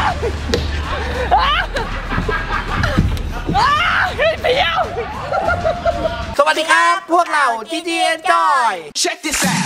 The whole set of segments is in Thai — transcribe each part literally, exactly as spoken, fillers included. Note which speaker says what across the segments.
Speaker 1: เดียวสวัสดีครับพวกเราจีจีเอ็นจอย Check this out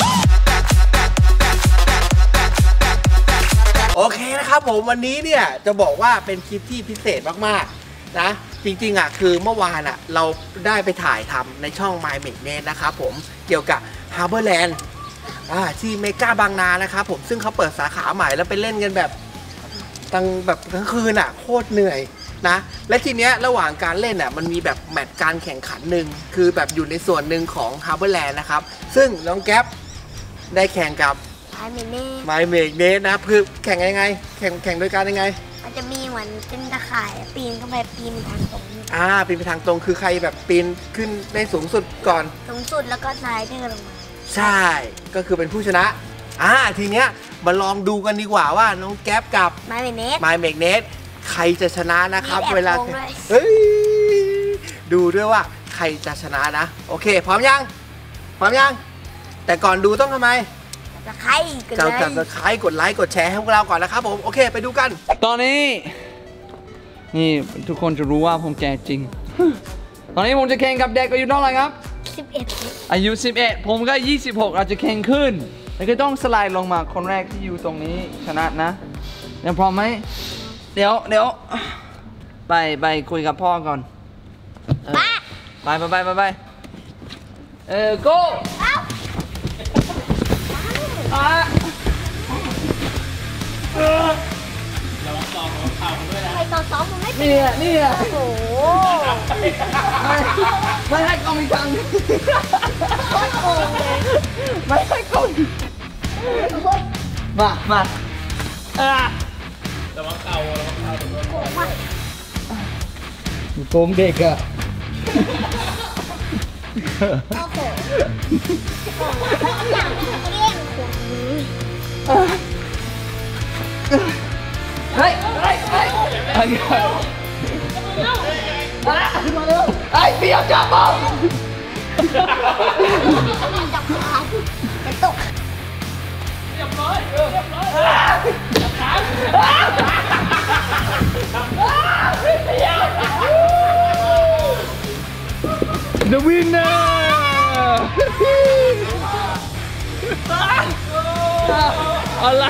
Speaker 1: โอเคนะครับผมวันนี้เนี่ยจะบอกว่าเป็นคลิปที่พิเศษมากๆนะจริงๆอ่ะคือเมื่อวานอ่ะเราได้ไปถ่ายทำในช่อง My Make Net นะครับผมเกี่ยวกับ Harborland อ่าที่เมกาบางนานะครับผมซึ่งเขาเปิดสาขาใหม่แล้วไปเล่นกันแบบตั้งแบบทั้งคืนอ่ะโคตรเหนื่อยนะและทีเนี้ยระหว่างการเล่นอ่ะมันมีแบบแมตช์การแข่งขันหนึ่งคือแบบอยู่ในส่วนหนึ่งของ Harborland นะครับซึ่งน้องแก๊ปได้แข่งกับ My Make Net นะคือแข่งยังไงแข่งแข่งโดยการยังไง
Speaker 2: มันจะมีเหมือนเป็นตะข่ายปีนเข้าไปปีนทางตรง
Speaker 1: อ่าปีนไปทางตรงคือใครแบบปีนขึ้นได้สูงสุดก่อน
Speaker 2: สูงสุดแล้วก็สไลเดอร์ลงมา
Speaker 1: ใช่ก็คือเป็นผู้ชนะอ่าทีเนี้ยมาลองดูกันดีกว่าว่าน้องแก๊ปกับ
Speaker 2: My Make Net
Speaker 1: My Make Net ใครจะชนะนะครับเวลาเฮ้ยดูด้วยว่าใครจะชนะนะโอเคพร้อมยังพร้อมยังแต่ก่อนดูต้องทำไม
Speaker 2: จะใครกดไลค์
Speaker 1: จะใครกดไลค์กดแชร์ให้พวกเราก่อนนะครับผมโอเคไปดูกัน
Speaker 3: ตอนนี้นี่ทุกคนจะรู้ว่าผมแก่จริงตอนนี้ผมจะแข่งกับเด็กอายุเท่าไหร่ครับ
Speaker 2: สิบเอ็ด
Speaker 3: อายุสิบเอ็ดผมก็ยี่สิบหกอาจจะแข่งขึ้นแล้วก็ต้องสไลด์ลงมาคนแรกที่อยู่ตรงนี้ชนะนะยังพร้อมไหมเดี๋ยวเดี๋ยวไปไปคุยกับพ่อก่อนไปไปไปไปไปเออ go
Speaker 2: เราซ้อมของเขาด้วยนะใครตอนซ้อมมึงไม่
Speaker 3: นี่อ่ะนี่อ่ะ
Speaker 2: โอ้โห
Speaker 3: ไม่ให้กองอีกครั้ง
Speaker 2: โคตรโกงเลย
Speaker 3: ไม่ให้กองมามาอ่ะแต่ว่าเก่าแล้วเก่าโกงมากโกงเด็กอ่ะ
Speaker 2: โอ้โหอยากเล่นคนนี้
Speaker 3: เฮ้ยเฮ้ยเฮ้ยไอ้เร็วมาเร็วไอ้เปียกจับบ้อง
Speaker 2: จับขาจะตก
Speaker 3: เรียบร้อยเรียบร้อยจับขา The winner อะไร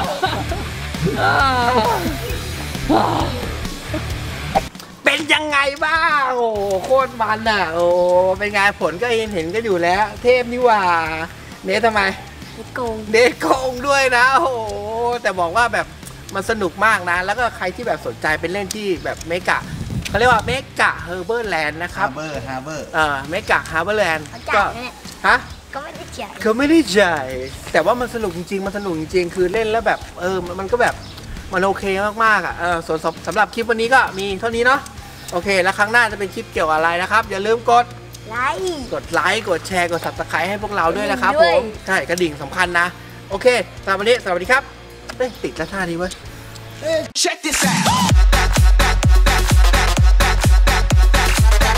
Speaker 1: เป็นยังไงบ้างโอ้โคตรมันอ่ะโอ้เป็นไงผลก็เห็นเห็นก็อยู่แล้วเทพนี่ว่าเนททำไม
Speaker 2: เด็กโกง
Speaker 1: เด็กโกงด้วยนะโอ้แต่บอกว่าแบบมันสนุกมากนะแล้วก็ใครที่แบบสนใจเป็นเล่นที่แบบเมกะเขาเรียกว่าเมกะเฮอร์เบอร์แลนด์นะครับ
Speaker 4: ฮาร์เบอร์ฮาร์เบอร์
Speaker 1: เออเมกะฮาร์เบอร์แลนด์ก็ฮะ
Speaker 2: ก็ไม่ได้จ่าย
Speaker 1: เขาไม่ได้จ่ายแต่ว่ามันสนุกจริงๆมันสนุกจริงๆคือเล่นแล้วแบบเออมันก็แบบมันโอเคมากๆอ่ะเออส่วนสำหรับคลิปวันนี้ก็มีเท่านี้เนาะโอเคแล้วครั้งหน้าจะเป็นคลิปเกี่ยวอะไรนะครับอย่าลืมกด
Speaker 2: ไลค์
Speaker 1: กดไลค์กดแชร์กด ซับสไครบ์ ให้พวกเราด้วยนะครับผมใช่กระดิ่งสำคัญนะโอเคสำหรับวันนี้สวัสดีครับเฮ้ยติดแล้วท่านี้เว้ย Check this out